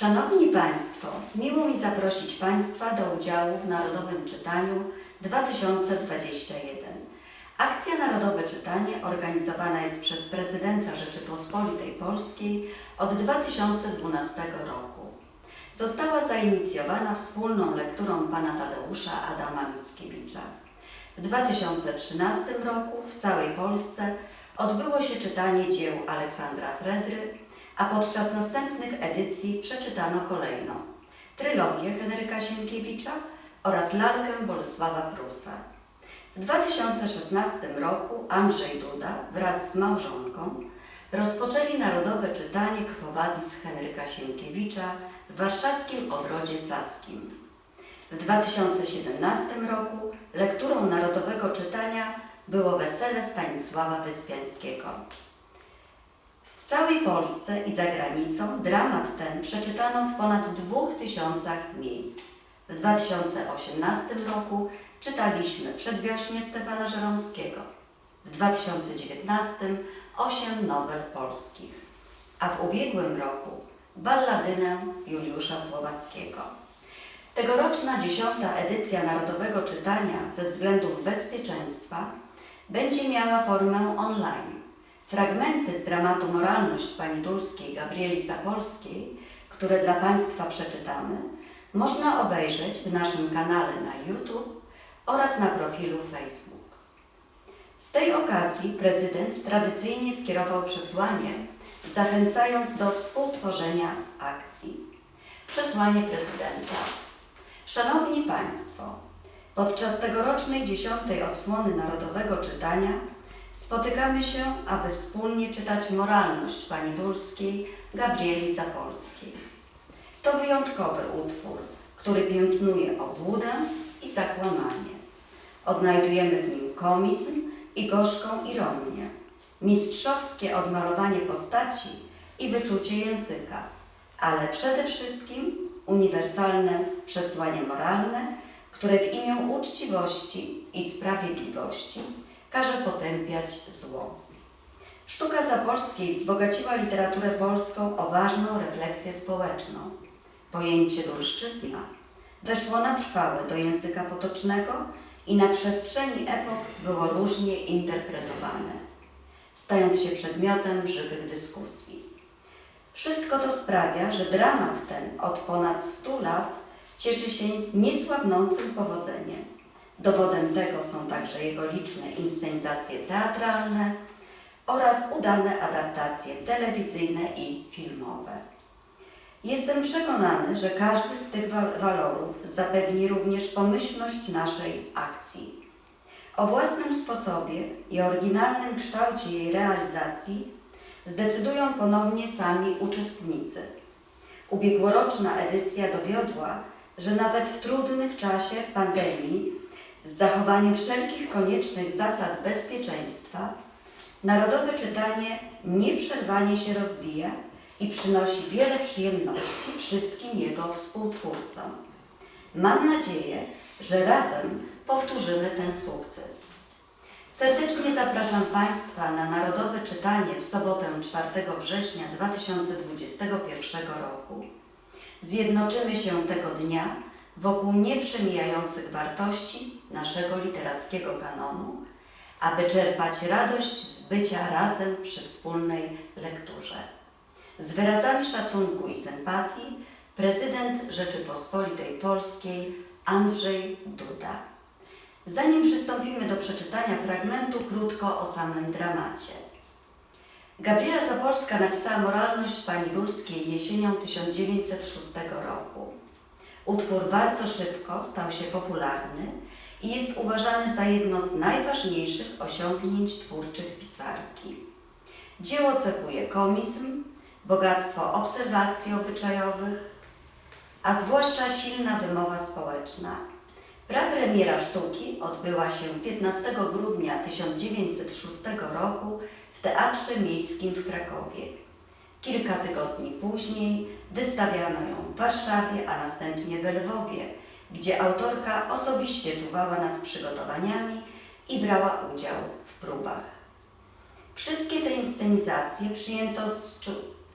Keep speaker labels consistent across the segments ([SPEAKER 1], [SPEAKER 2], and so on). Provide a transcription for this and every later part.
[SPEAKER 1] Szanowni Państwo, miło mi zaprosić Państwa do udziału w Narodowym Czytaniu 2021. Akcja Narodowe Czytanie organizowana jest przez Prezydenta Rzeczypospolitej Polskiej od 2012 roku. Została zainicjowana wspólną lekturą pana Tadeusza Adama Mickiewicza. W 2013 roku w całej Polsce odbyło się czytanie dzieł Aleksandra Fredry, a podczas następnych edycji przeczytano kolejno trylogię Henryka Sienkiewicza oraz lalkę Bolesława Prusa. W 2016 roku Andrzej Duda wraz z małżonką rozpoczęli Narodowe Czytanie Quo Vadis Henryka Sienkiewicza w warszawskim Ogrodzie Saskim. W 2017 roku lekturą Narodowego Czytania było Wesele Stanisława Wyspiańskiego. W całej Polsce i za granicą dramat ten przeczytano w ponad 2000 miejsc. W 2018 roku czytaliśmy Przedwiośnie Stefana Żeromskiego, w 2019 8 nowel polskich, a w ubiegłym roku Balladynę Juliusza Słowackiego. Tegoroczna 10. edycja Narodowego Czytania ze względów bezpieczeństwa będzie miała formę online. Fragmenty z dramatu Moralność pani Dulskiej Gabrieli Sapolskiej, które dla Państwa przeczytamy, można obejrzeć w naszym kanale na YouTube oraz na profilu Facebook. Z tej okazji prezydent tradycyjnie skierował przesłanie, zachęcając do współtworzenia akcji. Przesłanie prezydenta. Szanowni Państwo, podczas tegorocznej 10. odsłony Narodowego Czytania spotykamy się, aby wspólnie czytać Moralność pani Dulskiej Gabrieli Sapolskiej. To wyjątkowy utwór, który piętnuje obłudę i zakłamanie. Odnajdujemy w nim komizm i gorzką ironię, mistrzowskie odmalowanie postaci i wyczucie języka, ale przede wszystkim uniwersalne przesłanie moralne, które w imię uczciwości i sprawiedliwości każe potępiać zło. Sztuka Sapolskiej wzbogaciła literaturę polską o ważną refleksję społeczną. Pojęcie dulszczyzna weszło na trwałe do języka potocznego i na przestrzeni epok było różnie interpretowane, stając się przedmiotem żywych dyskusji. Wszystko to sprawia, że dramat ten od ponad 100 lat cieszy się niesłabnącym powodzeniem. Dowodem tego są także jego liczne inscenizacje teatralne oraz udane adaptacje telewizyjne i filmowe. Jestem przekonany, że każdy z tych walorów zapewni również pomyślność naszej akcji. O własnym sposobie i oryginalnym kształcie jej realizacji zdecydują ponownie sami uczestnicy. Ubiegłoroczna edycja dowiodła, że nawet w trudnych czasie pandemii, z zachowaniem wszelkich koniecznych zasad bezpieczeństwa, Narodowe Czytanie nieprzerwanie się rozwija i przynosi wiele przyjemności wszystkim jego współtwórcom. Mam nadzieję, że razem powtórzymy ten sukces. Serdecznie zapraszam Państwa na Narodowe Czytanie w sobotę 4 września 2021 roku. Zjednoczymy się tego dnia wokół nieprzemijających wartości naszego literackiego kanonu, aby czerpać radość z bycia razem przy wspólnej lekturze. Z wyrazami szacunku i sympatii prezydent Rzeczypospolitej Polskiej Andrzej Duda. Zanim przystąpimy do przeczytania fragmentu, krótko o samym dramacie. Gabriela Sapolska napisała Moralność pani Dulskiej jesienią 1906 roku. Utwór bardzo szybko stał się popularny i jest uważany za jedno z najważniejszych osiągnięć twórczych pisarki. Dzieło cechuje komizm, bogactwo obserwacji obyczajowych, a zwłaszcza silna wymowa społeczna. Prapremiera sztuki odbyła się 15 grudnia 1906 roku w Teatrze Miejskim w Krakowie. Kilka tygodni później wystawiano ją w Warszawie, a następnie we Lwowie, gdzie autorka osobiście czuwała nad przygotowaniami i brała udział w próbach. Wszystkie te inscenizacje przyjęto z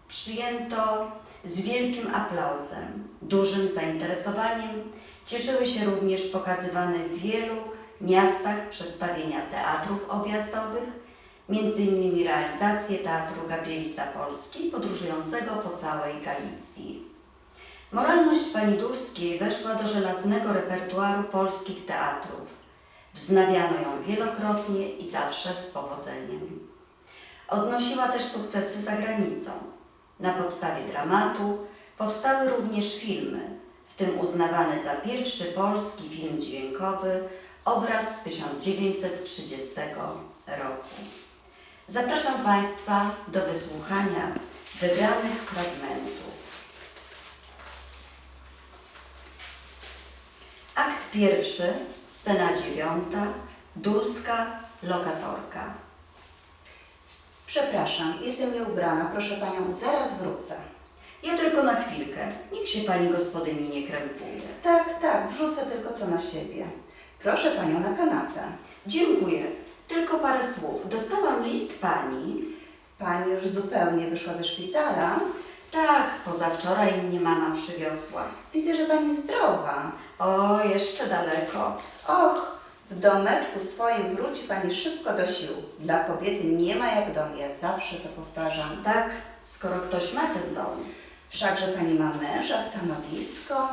[SPEAKER 1] przyjęto z wielkim aplauzem. Dużym zainteresowaniem cieszyły się również pokazywane w wielu miastach przedstawienia teatrów objazdowych, m.in. realizacje Teatru Gabrieli Zapolskiej podróżującego po całej Galicji. Moralność pani Dulskiej weszła do żelaznego repertuaru polskich teatrów. Wznawiano ją wielokrotnie i zawsze z powodzeniem. Odnosiła też sukcesy za granicą. Na podstawie dramatu powstały również filmy, w tym uznawany za pierwszy polski film dźwiękowy Obraz z 1930 roku. Zapraszam Państwa do wysłuchania wybranych fragmentów. Akt pierwszy, scena 9, Dulska, lokatorka.
[SPEAKER 2] Przepraszam, jestem nieubrana. Proszę Panią, zaraz wrócę.
[SPEAKER 1] Ja tylko na chwilkę. Niech się Pani gospodyni nie krępuje.
[SPEAKER 2] Tak, wrzucę tylko co na siebie. Proszę Panią na kanapę.
[SPEAKER 1] Dziękuję. Tylko parę słów. Dostałam list Pani.
[SPEAKER 2] Pani już zupełnie wyszła ze szpitala.
[SPEAKER 1] Tak, pozawczoraj mnie mama przywiozła.
[SPEAKER 2] Widzę, że Pani zdrowa.
[SPEAKER 1] O, jeszcze daleko.
[SPEAKER 2] Och, w domeczku swoim wróci Pani szybko do sił. Dla kobiety nie ma jak dom, ja zawsze to powtarzam.
[SPEAKER 1] Tak, skoro ktoś ma ten dom.
[SPEAKER 2] Wszakże Pani ma męża, stanowisko.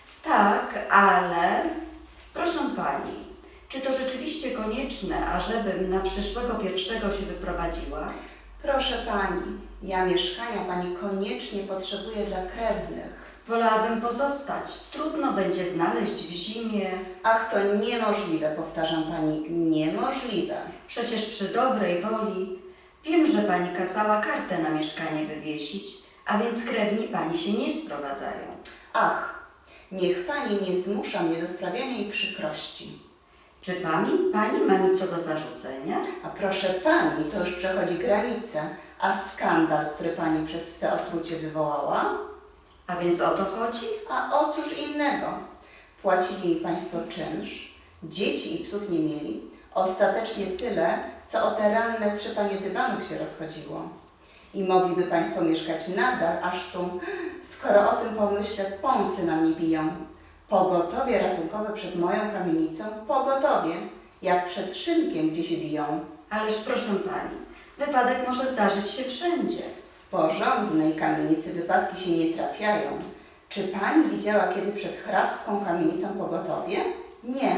[SPEAKER 1] Tak, ale... Proszę Pani, czy to rzeczywiście konieczne, ażebym na przyszłego pierwszego się wyprowadziła?
[SPEAKER 2] Proszę Pani, ja mieszkania Pani koniecznie potrzebuję dla krewnych.
[SPEAKER 1] Wolałabym pozostać. Trudno będzie znaleźć w zimie.
[SPEAKER 2] Ach, to niemożliwe, powtarzam Pani, niemożliwe.
[SPEAKER 1] Przecież przy dobrej woli wiem, że Pani kazała kartę na mieszkanie wywiesić, a więc krewni Pani się nie sprowadzają.
[SPEAKER 2] Ach, niech Pani nie zmusza mnie do sprawiania jej przykrości.
[SPEAKER 1] Czy Pani ma mi co do zarzucenia?
[SPEAKER 2] A proszę Pani, to już przechodzi granicę. A skandal, który Pani przez swe otrucie wywołała?
[SPEAKER 1] A więc o to chodzi?
[SPEAKER 2] A o cóż innego? Płacili mi Państwo czynsz, dzieci i psów nie mieli, ostatecznie tyle, co o te ranne trzepanie dywanów się rozchodziło. I mogliby Państwo mieszkać nadal, aż tu, skoro o tym pomyślę, pąsy na mnie biją. Pogotowie ratunkowe przed moją kamienicą, pogotowie, jak przed szynkiem, gdzie się biją.
[SPEAKER 1] Ależ proszę Pani, wypadek może zdarzyć się wszędzie.
[SPEAKER 2] W porządnej kamienicy wypadki się nie trafiają. Czy Pani widziała kiedy przed hrabską kamienicą pogotowie? Nie.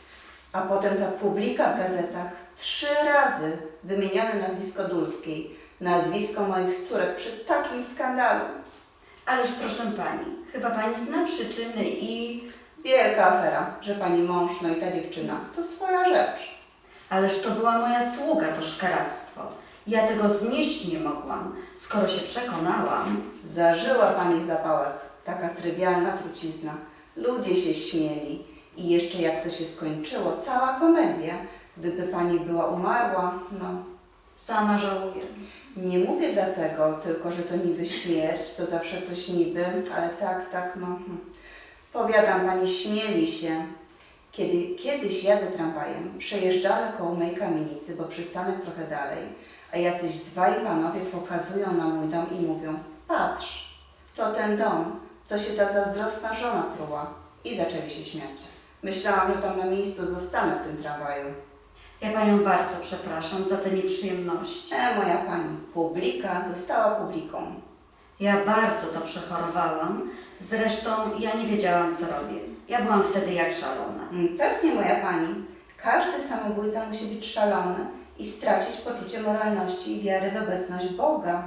[SPEAKER 2] A potem ta publika w gazetach 3 razy wymienione nazwisko Dulskiej, nazwisko moich córek przy takim skandalu.
[SPEAKER 1] Ależ proszę Pani, chyba Pani zna przyczyny i...
[SPEAKER 2] Wielka afera, że Pani mąż, no i ta dziewczyna, to swoja rzecz.
[SPEAKER 1] Ależ to była moja sługa, to szkaractwo. Ja tego znieść nie mogłam, skoro się przekonałam.
[SPEAKER 2] Zażyła Pani zapałek, taka trywialna trucizna. Ludzie się śmieli i jeszcze jak to się skończyło, cała komedia. Gdyby Pani była umarła, no...
[SPEAKER 1] Sama żałuję.
[SPEAKER 2] Nie mówię dlatego, tylko że to niby śmierć, to zawsze coś niby, ale tak, no... Powiadam Pani, śmieli się. Kiedy kiedyś jadę tramwajem, przejeżdżamy koło mojej kamienicy, bo przystanek trochę dalej, a jacyś dwaj panowie pokazują na mój dom i mówią: patrz, to ten dom, co się ta zazdrosna żona truła. I zaczęli się śmiać. Myślałam, że tam na miejscu zostanę w tym tramwaju.
[SPEAKER 1] Ja Panią bardzo przepraszam za te nieprzyjemności.
[SPEAKER 2] Moja Pani, publika została publiką.
[SPEAKER 1] Ja bardzo to przechorowałam. Zresztą ja nie wiedziałam, co robię. Ja byłam wtedy jak szalona.
[SPEAKER 2] Pewnie, moja Pani. Każdy samobójca musi być szalony i stracić poczucie moralności i wiary w obecność Boga.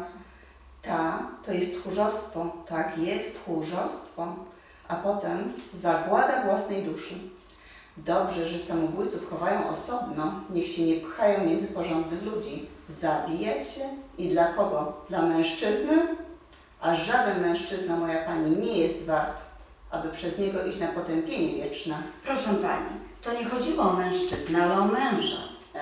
[SPEAKER 2] To jest tchórzostwo. Tak, jest tchórzostwo. A potem zagłada własnej duszy. Dobrze, że samobójców chowają osobno, niech się nie pchają między porządnych ludzi. Zabijać się? I dla kogo? Dla mężczyzny? A żaden mężczyzna, moja Pani, nie jest wart, aby przez niego iść na potępienie wieczne.
[SPEAKER 1] Proszę Pani, to nie chodziło o mężczyznę, ale o męża.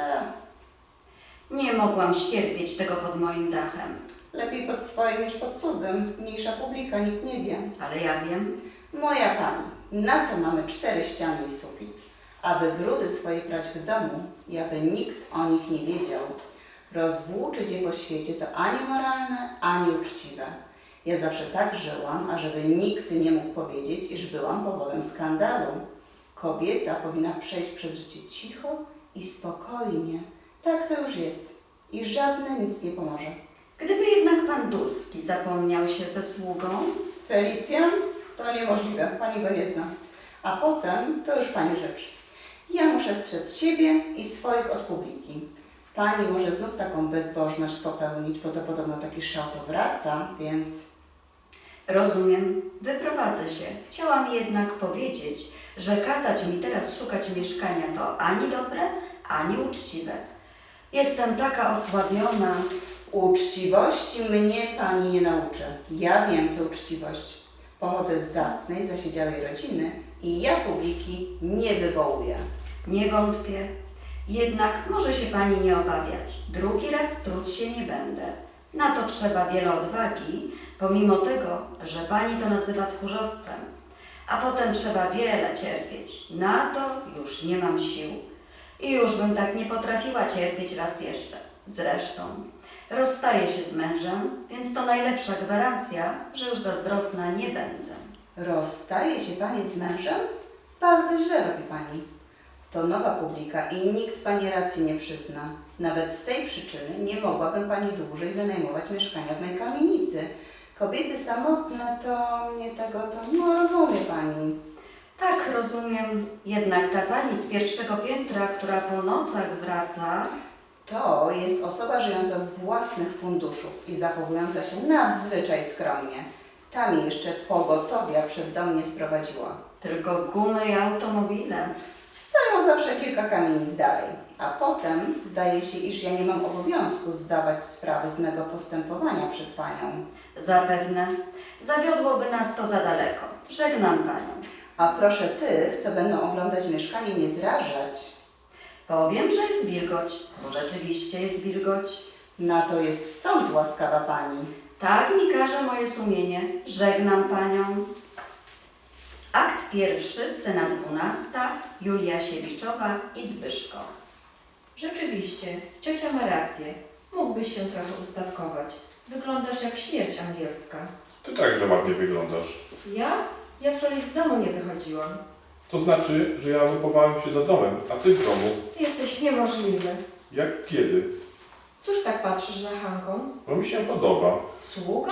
[SPEAKER 1] Nie mogłam ścierpieć tego pod moim dachem.
[SPEAKER 2] Lepiej pod swoim niż pod cudzym. Mniejsza publika, nikt nie wie.
[SPEAKER 1] Ale ja wiem.
[SPEAKER 2] Moja Pani, na to mamy 4 ściany i sufit, aby brudy swoje prać w domu i aby nikt o nich nie wiedział. Rozwłóczyć je po świecie to ani moralne, ani uczciwe. Ja zawsze tak żyłam, ażeby nikt nie mógł powiedzieć, iż byłam powodem skandalu. Kobieta powinna przejść przez życie cicho i spokojnie. Tak to już jest. I żadne nic nie pomoże.
[SPEAKER 1] Gdyby jednak pan Dulski zapomniał się ze sługą,
[SPEAKER 2] Felicjan? To niemożliwe, pani go nie zna. A potem to już pani rzecz. Ja muszę strzec siebie i swoich od publiki. Pani może znów taką bezbożność popełnić, bo to podobno taki szał to wraca, więc...
[SPEAKER 1] rozumiem, wyprowadzę się. Chciałam jednak powiedzieć, że kazać mi teraz szukać mieszkania to ani dobre, ani uczciwe. Jestem taka osłabiona.
[SPEAKER 2] Uczciwości mnie pani nie nauczy. Ja wiem, co uczciwość. Pochodzę z zacnej, zasiedziałej rodziny i ja publiki nie wywołuję.
[SPEAKER 1] Nie wątpię. Jednak może się pani nie obawiać. Drugi raz truć się nie będę. Na to trzeba wiele odwagi, pomimo tego, że pani to nazywa tchórzostwem. A potem trzeba wiele cierpieć. Na to już nie mam sił. I już bym tak nie potrafiła cierpieć raz jeszcze. Zresztą rozstaję się z mężem, więc to najlepsza gwarancja, że już zazdrosna nie będę.
[SPEAKER 2] Rozstaje się pani z mężem? Bardzo źle robi pani. To nowa publika i nikt pani racji nie przyzna. Nawet z tej przyczyny nie mogłabym pani dłużej wynajmować mieszkania w mojej kamienicy. Kobiety samotne to nie tego, no rozumie pani.
[SPEAKER 1] Tak, rozumiem. Jednak ta pani z pierwszego piętra, która po nocach wraca,
[SPEAKER 2] To jest osoba żyjąca z własnych funduszów i zachowująca się nadzwyczaj skromnie. Ta mi jeszcze pogotowia przed dom nie sprowadziła.
[SPEAKER 1] tylko gumy i automobile.
[SPEAKER 2] Stoją zawsze kilka kamienic dalej, a potem zdaje się, iż ja nie mam obowiązku zdawać sprawy z mego postępowania przed panią.
[SPEAKER 1] Zapewne zawiodłoby nas to za daleko. Żegnam panią.
[SPEAKER 2] A proszę tych, co będą oglądać mieszkanie, nie zrażać.
[SPEAKER 1] Powiem, że jest wilgoć, bo rzeczywiście jest wilgoć.
[SPEAKER 2] Na to jest sąd, łaskawa pani.
[SPEAKER 1] Tak mi każe moje sumienie. Żegnam panią. Akt pierwszy, scena 12, Julia Siewiczowa i Zbyszko.
[SPEAKER 3] Rzeczywiście, ciocia ma rację. Mógłbyś się trochę ustawkować. Wyglądasz jak śmierć angielska.
[SPEAKER 4] Ty także ładnie wyglądasz.
[SPEAKER 3] Ja? Ja wczoraj z domu nie wychodziłam.
[SPEAKER 4] To znaczy, że ja wychowałem się za domem, a ty w domu.
[SPEAKER 3] Jesteś niemożliwy.
[SPEAKER 4] Jak kiedy?
[SPEAKER 3] Cóż tak patrzysz za Hanką?
[SPEAKER 4] Bo mi się podoba.
[SPEAKER 3] Sługa?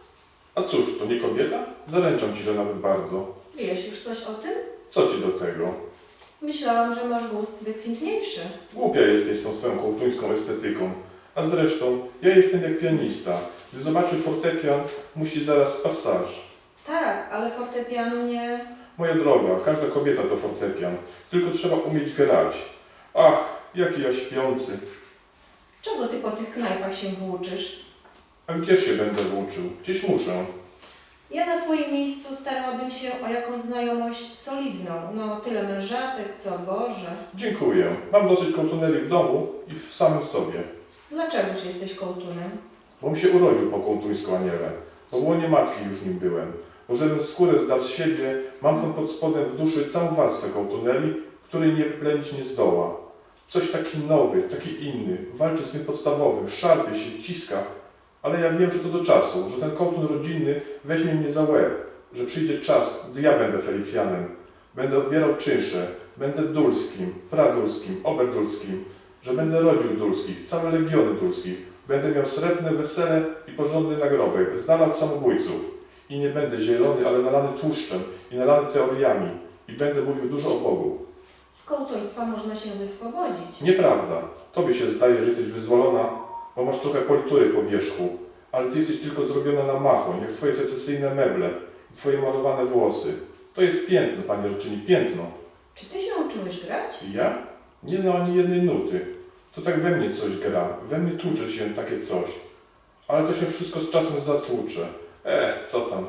[SPEAKER 4] A cóż, to nie kobieta? Zaręczam ci, że nawet bardzo.
[SPEAKER 3] Wiesz już coś o tym?
[SPEAKER 4] Co ci do tego?
[SPEAKER 3] Myślałam, że masz gust wykwintniejszy.
[SPEAKER 4] Głupia jesteś z tą swoją kołtuńską estetyką. A zresztą, ja jestem jak pianista. Gdy zobaczy fortepian, musi zaraz pasaż.
[SPEAKER 3] Tak, ale fortepianu nie...
[SPEAKER 4] Moja droga, każda kobieta to fortepian. Tylko trzeba umieć grać. Ach, jaki ja śpiący.
[SPEAKER 3] Czego ty po tych knajpach się włóczysz?
[SPEAKER 4] A gdzież się będę włóczył? Gdzieś muszę.
[SPEAKER 3] Ja na twoim miejscu starałabym się o jakąś znajomość solidną. No, tyle mężatek, co Boże.
[SPEAKER 4] Dziękuję. Mam dosyć kołtunerii w domu i w samym sobie.
[SPEAKER 3] Dlaczegoż jesteś kołtunem?
[SPEAKER 4] Bo się urodził po kołtuńsku aniele. Bo w łonie matki już nim byłem. Bo żebym skórę zdał z siebie, mam tam pod spodem w duszy całą warstwę kołtunerii, której nie wyplenić nie zdoła. Coś taki nowy, taki inny, walczy z tym podstawowym, szarpie się, ciska. Ale ja wiem, że to do czasu, że ten kołtun rodzinny weźmie mnie za łeb, że przyjdzie czas, gdy ja będę Felicjanem. Będę odbierał czynsze, będę Dulskim, Pradulskim, Oberdulskim, że będę rodził Dulskich, całe legiony Dulskich. Będę miał srebrne wesele i porządny nagrobek, z dala od samobójców. I nie będę zielony, ale nalany tłuszczem i nalany teoriami. I będę mówił dużo o Bogu.
[SPEAKER 3] Z kołtuństwa można się wyswobodzić.
[SPEAKER 4] Nieprawda. Tobie się zdaje, że jesteś wyzwolona, bo masz trochę politury po wierzchu, ale ty jesteś tylko zrobiona na machoń, jak twoje secesyjne meble i twoje malowane włosy. To jest piętno, pani Roczyni, piętno.
[SPEAKER 3] Czy ty się uczyłeś grać?
[SPEAKER 4] I ja? Nie znam ani jednej nuty. To tak we mnie coś gra, we mnie tłucze się takie coś. Ale to się wszystko z czasem zatłucze. Co tam?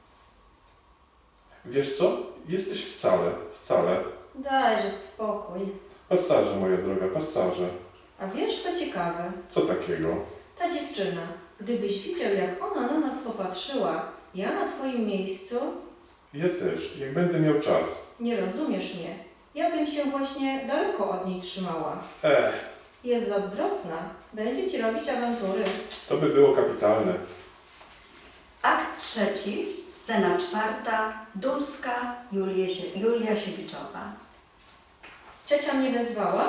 [SPEAKER 4] Wiesz co? Jesteś wcale.
[SPEAKER 3] Dajże spokój.
[SPEAKER 4] Pasażer, moja droga, pasażer.
[SPEAKER 3] A wiesz, to ciekawe.
[SPEAKER 4] Co takiego?
[SPEAKER 3] Ta dziewczyna, gdybyś widział, jak ona na nas popatrzyła, ja na twoim miejscu,
[SPEAKER 4] Ja też, jak będę miał czas.
[SPEAKER 3] nie rozumiesz mnie. Ja bym się właśnie daleko od niej trzymała.
[SPEAKER 4] Ech,
[SPEAKER 3] Jest zazdrosna. Będzie ci robić awantury.
[SPEAKER 4] To by było kapitalne.
[SPEAKER 1] Akt trzeci, scena czwarta, Dulska, Julia Siewiczowa.
[SPEAKER 3] Ciocia mnie wezwała?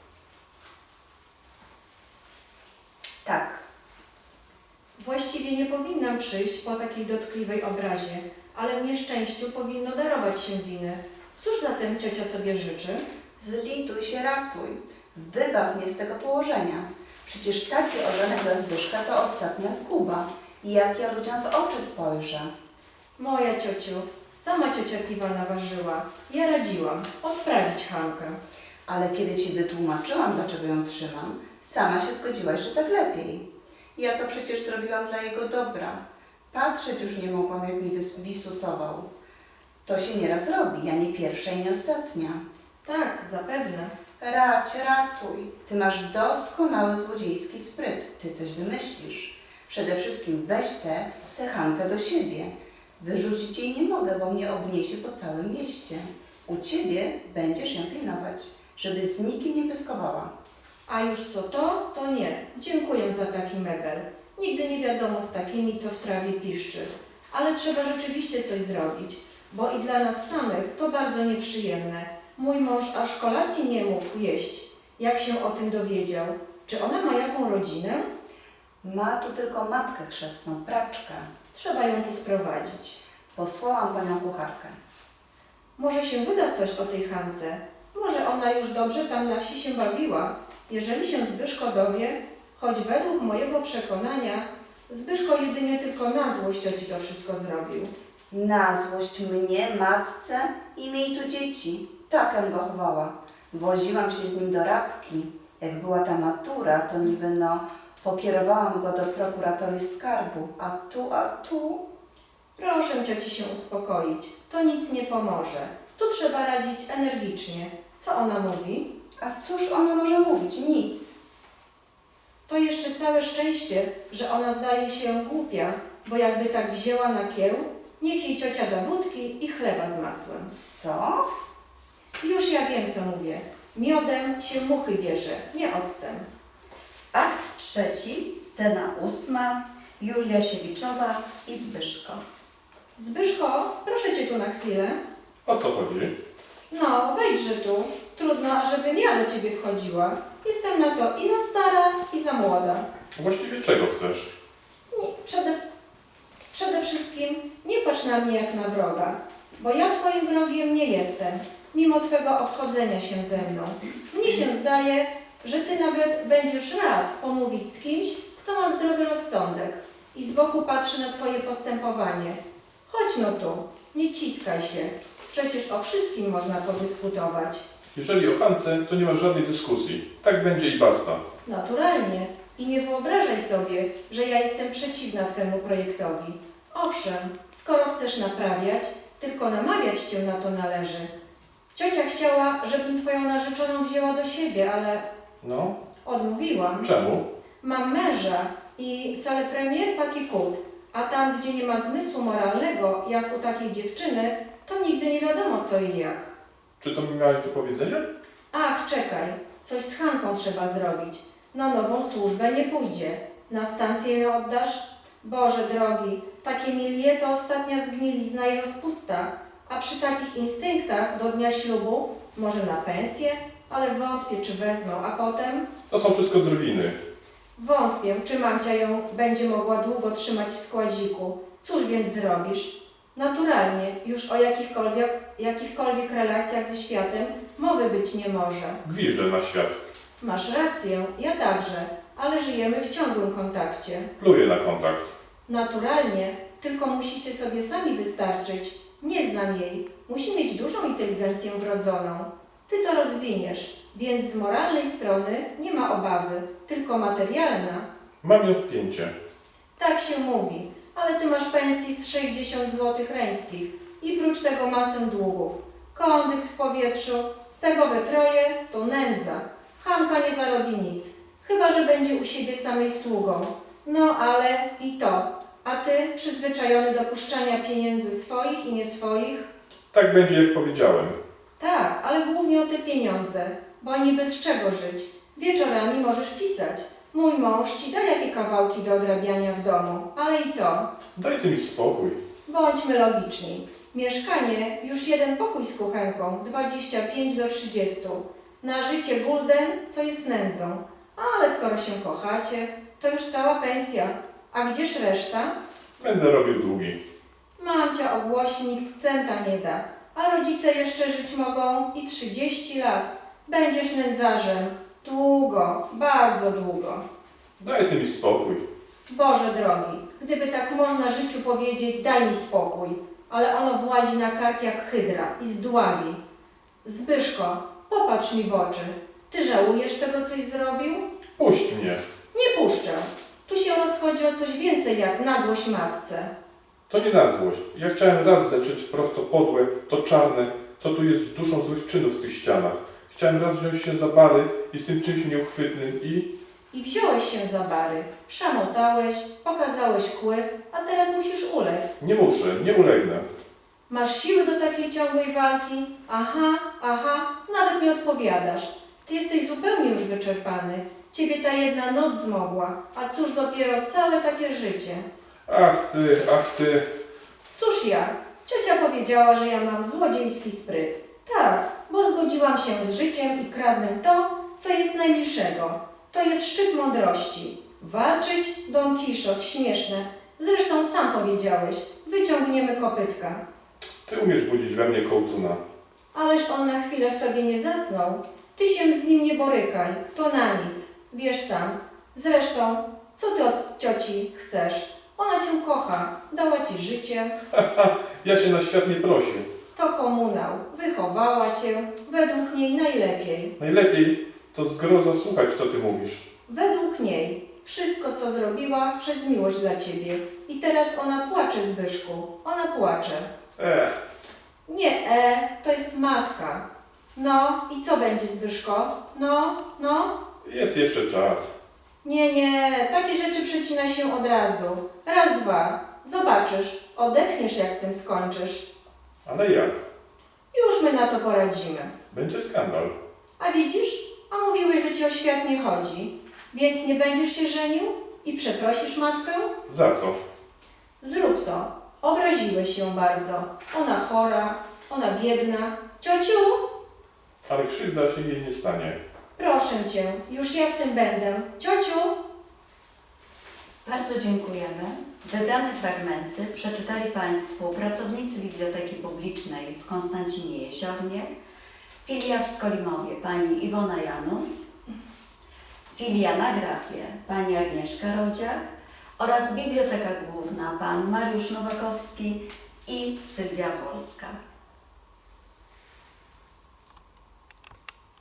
[SPEAKER 2] Tak,
[SPEAKER 3] Właściwie nie powinnam przyjść po takiej dotkliwej obrazie, ale w nieszczęściu powinno darować się winy. Cóż zatem ciocia sobie życzy?
[SPEAKER 2] zlituj się, ratuj. Wybaw mnie z tego położenia. Przecież taki ożenek dla Zbyszka to ostatnia zguba. I jak ja ludziom w oczy spojrzę.
[SPEAKER 3] Moja ciociu, sama ciocia piwa naważyła. Ja radziłam odprawić Hankę.
[SPEAKER 2] Ale kiedy ci wytłumaczyłam, dlaczego ją trzymam, sama się zgodziłaś, że tak lepiej. Ja to przecież zrobiłam dla jego dobra. Patrzeć już nie mogłam, jak mi wisusował. To się nieraz robi, ja nie pierwsza i nie ostatnia.
[SPEAKER 3] Tak, zapewne.
[SPEAKER 2] Ratuj. Ty masz doskonały złodziejski spryt. Ty coś wymyślisz. Przede wszystkim weź tę Hankę do siebie. Wyrzucić jej nie mogę, bo mnie obniesie po całym mieście. U ciebie będziesz ją pilnować, żeby z nikim nie pyskowała.
[SPEAKER 3] A już co to nie. Dziękuję za taki mebel. Nigdy nie wiadomo z takimi, co w trawie piszczy. Ale trzeba rzeczywiście coś zrobić, bo i dla nas samych to bardzo nieprzyjemne. Mój mąż aż kolacji nie mógł jeść, jak się o tym dowiedział. Czy ona ma jaką rodzinę?
[SPEAKER 2] Ma tu tylko matkę chrzestną, praczkę.
[SPEAKER 3] Trzeba ją tu sprowadzić.
[SPEAKER 2] Posłałam panią kucharkę.
[SPEAKER 3] Może się wyda coś o tej Hance. Może ona już dobrze tam na wsi się bawiła. Jeżeli się Zbyszko dowie, choć według mojego przekonania Zbyszko jedynie tylko na złość cioci to wszystko zrobił.
[SPEAKER 2] Na złość mnie, matce i miej tu dzieci. Takem go chowała. Woziłam się z nim do Rabki. Jak była ta matura, to niby pokierowałam go do prokuratorii skarbu. A tu...
[SPEAKER 3] Proszę cioci się uspokoić. To nic nie pomoże. Tu trzeba radzić energicznie. Co ona mówi?
[SPEAKER 2] A cóż ona może mówić? Nic.
[SPEAKER 3] To jeszcze całe szczęście, że ona zdaje się głupia, bo jakby tak wzięła na kieł, niech jej ciocia da wódki i chleba z masłem.
[SPEAKER 2] Co?
[SPEAKER 3] Już ja wiem, co mówię. Miodem się muchy bierze, nie octem.
[SPEAKER 1] Akt trzeci, scena ósma, Julia Siewiczowa i Zbyszko.
[SPEAKER 3] Zbyszko, proszę cię tu na chwilę.
[SPEAKER 4] O co chodzi?
[SPEAKER 3] No, wejdźże tu. Trudno, ażebym ja do ciebie wchodziła. Jestem na to i za stara, i za młoda.
[SPEAKER 4] Właściwie czego chcesz?
[SPEAKER 3] Nie, przede wszystkim nie patrz na mnie jak na wroga, bo ja twoim wrogiem nie jestem, mimo twego obchodzenia się ze mną. Mnie się zdaje, że ty nawet będziesz rad pomówić z kimś, kto ma zdrowy rozsądek i z boku patrzy na twoje postępowanie. Chodź no tu, nie ciskaj się. Przecież o wszystkim można podyskutować.
[SPEAKER 4] Jeżeli o Hance, to nie ma żadnej dyskusji. Tak będzie i basta.
[SPEAKER 3] Naturalnie. I nie wyobrażaj sobie, że ja jestem przeciwna twemu projektowi. Owszem, skoro chcesz naprawiać, tylko namawiać cię na to należy. Ciocia chciała, żebym twoją narzeczoną wzięła do siebie, ale
[SPEAKER 4] No,
[SPEAKER 3] odmówiłam.
[SPEAKER 4] czemu?
[SPEAKER 3] Mam męża i salę premier pakikut, a tam, gdzie nie ma zmysłu moralnego, jak u takiej dziewczyny, to nigdy nie wiadomo co i jak.
[SPEAKER 4] Czy to mi miałeś do powiedzenia?
[SPEAKER 3] Ach, czekaj, coś z Hanką trzeba zrobić. Na nową służbę nie pójdzie. Na stację ją oddasz? Boże drogi, takie milie to ostatnia zgnilizna i rozpusta. A przy takich instynktach do dnia ślubu, może na pensję, ale wątpię, czy wezmą, a potem
[SPEAKER 4] To są wszystko drwiny.
[SPEAKER 3] wątpię, czy mamcia ją będzie mogła długo trzymać w składziku. Cóż więc zrobisz? Naturalnie, już o jakichkolwiek relacjach ze światem mowy być nie może.
[SPEAKER 4] Gwiżdżę na świat.
[SPEAKER 3] Masz rację, ja także, ale żyjemy w ciągłym kontakcie.
[SPEAKER 4] Pluję na kontakt.
[SPEAKER 3] Naturalnie, tylko musicie sobie sami wystarczyć. Nie znam jej. Musi mieć dużą inteligencję wrodzoną. Ty to rozwiniesz, więc z moralnej strony nie ma obawy, tylko materialna.
[SPEAKER 4] Mam ją w pięcie.
[SPEAKER 3] Tak się mówi, ale ty masz pensji z 60 zł reńskich i prócz tego masę długów. Kondykt w powietrzu, z tego we troje to nędza. Hanka nie zarobi nic, chyba że będzie u siebie samej sługą. No ale i to. A ty, przyzwyczajony do puszczania pieniędzy swoich i nie swoich?
[SPEAKER 4] Tak będzie, jak powiedziałem.
[SPEAKER 3] Tak, ale głównie o te pieniądze, bo niby z czego żyć. Wieczorami możesz pisać. Mój mąż ci da jakie kawałki do odrabiania w domu, ale i to.
[SPEAKER 4] Daj ty mi spokój.
[SPEAKER 3] Bądźmy logiczni. Mieszkanie, już jeden pokój z kuchenką, 25 do 30. Na życie gulden, co jest nędzą. Ale skoro się kochacie, to już cała pensja. A gdzież reszta?
[SPEAKER 4] Będę robił długi.
[SPEAKER 3] Mamcia ogłosi, nikt centa nie da. A rodzice jeszcze żyć mogą i 30 lat. Będziesz nędzarzem. Długo, bardzo długo.
[SPEAKER 4] Daj ty mi spokój.
[SPEAKER 3] Boże drogi, gdyby tak można życiu powiedzieć, daj mi spokój. Ale ono włazi na kark jak hydra i zdławi. Zbyszko, popatrz mi w oczy. Ty żałujesz tego, coś zrobił?
[SPEAKER 4] Puść mnie.
[SPEAKER 3] Nie puszczę. Tu się rozchodzi o coś więcej jak na złość matce.
[SPEAKER 4] To nie na złość. Ja chciałem raz zetrzeć wprost to podłe, to czarne, co tu jest duszą złych czynów w tych ścianach. Chciałem raz wziąć się za bary i z tym czymś nieuchwytnym
[SPEAKER 3] I wziąłeś się za bary, szamotałeś, pokazałeś kły, a teraz musisz ulec.
[SPEAKER 4] Nie muszę, nie ulegnę.
[SPEAKER 3] Masz siły do takiej ciągłej walki? Aha, nawet nie odpowiadasz. Ty jesteś zupełnie już wyczerpany. Ciebie ta jedna noc zmogła, a cóż dopiero całe takie życie.
[SPEAKER 4] Ach ty.
[SPEAKER 3] Cóż ja? Ciocia powiedziała, że ja mam złodziejski spryt. Tak, bo zgodziłam się z życiem i kradnę to, co jest najmilszego. To jest szczyt mądrości. Walczyć? Don Kiszot, śmieszne. Zresztą sam powiedziałeś, wyciągniemy kopytka.
[SPEAKER 4] Ty umiesz budzić we mnie kołtuna.
[SPEAKER 3] Ależ on na chwilę w tobie nie zasnął. Ty się z nim nie borykaj, to na nic. Wiesz sam. Zresztą, co ty od cioci chcesz? Ona cię kocha, dała ci życie.
[SPEAKER 4] Ja się na świat nie prosię.
[SPEAKER 3] To komunał, wychowała cię, według niej najlepiej.
[SPEAKER 4] Najlepiej to zgrozo słuchać, co ty mówisz.
[SPEAKER 3] Według niej wszystko, co zrobiła, przez miłość dla ciebie. I teraz ona płacze, Zbyszku. Ona płacze. Nie, to jest matka. No, i co będzie, Zbyszko? No.
[SPEAKER 4] Jest jeszcze czas.
[SPEAKER 3] Nie, takie rzeczy przecina się od razu. Raz, dwa. Zobaczysz, odetchniesz, jak z tym skończysz.
[SPEAKER 4] Ale jak?
[SPEAKER 3] Już my na to poradzimy.
[SPEAKER 4] Będzie skandal.
[SPEAKER 3] A widzisz? A mówiłeś, że ci o świat nie chodzi. Więc nie będziesz się żenił? I przeprosisz matkę?
[SPEAKER 4] Za co?
[SPEAKER 3] Zrób to. Obraziłeś ją bardzo. Ona chora, ona biedna. Ciociu,
[SPEAKER 4] Ale krzywda się jej nie stanie.
[SPEAKER 3] proszę cię, już ja w tym będę. Ciociu!
[SPEAKER 1] Bardzo dziękujemy. Wybrane fragmenty przeczytali Państwu pracownicy Biblioteki Publicznej w Konstancinie Jeziornie, filia w Skolimowie pani Iwona Janus, filia na Grafie pani Agnieszka Rodziak oraz Biblioteka Główna pan Mariusz Nowakowski i Sylwia Wolska.